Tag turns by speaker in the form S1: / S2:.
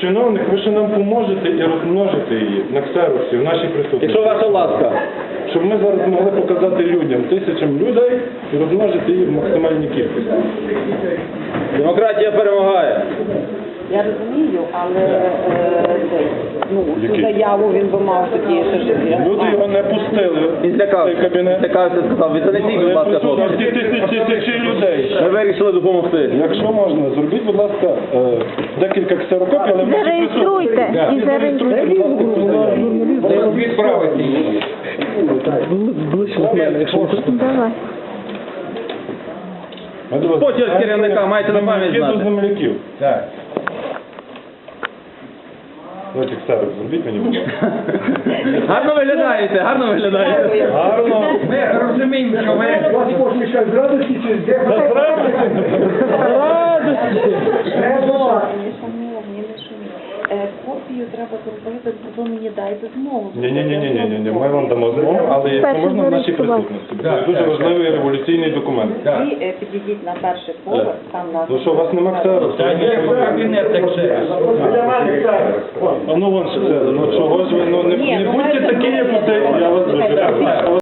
S1: чиновник, ви ще нам поможете і розмножите її на ксероксі, в нашій присутності.
S2: Якщо ваша ласка.
S1: Щоб ми зараз могли показати людям, тисячам людей і розмножити її в максимальній кількості.
S2: Демократія перемагає.
S3: Я розумію, але цю заяву він би мав тоді ще жити.
S1: Люди його не пустили
S2: Він
S1: в цей
S2: злякався.
S1: кабінет.
S2: Злякався, сказав, відтанетіть, будь ласка,
S1: Присутності
S2: хлопці.
S1: тисячі людей.
S2: Ми вирішили допомогти.
S1: Якщо можна, зробіть, будь ласка, декілька ксерокопій, але в нашій
S4: Зареєструйте.
S1: присутності.
S4: І зареєструйте.
S1: Відправити її.
S4: Давай.
S2: Почерк керівника, маєте на пам'ять
S1: Земляки
S2: знати.
S1: до земляків.
S2: Так.
S1: Давайте ксерок зробіть мені, будь ласка.
S2: Гарно виглядаєте, гарно виглядаєте.
S1: Гарно.
S2: Ми розуміємо, що ви...
S3: Копію треба зробити, ви мені дайте змогу.
S1: Ні, ми вам дамо змогу, але якщо можна в нашій присутності. Це дуже важливий революційний документ.
S3: Ви підійдіть на перший поверх, там на...
S1: Ну що, у вас нема ксероксу? А ну вон ще це, ну чого ж ви, ну не будьте такі, як я вас дуже прошу.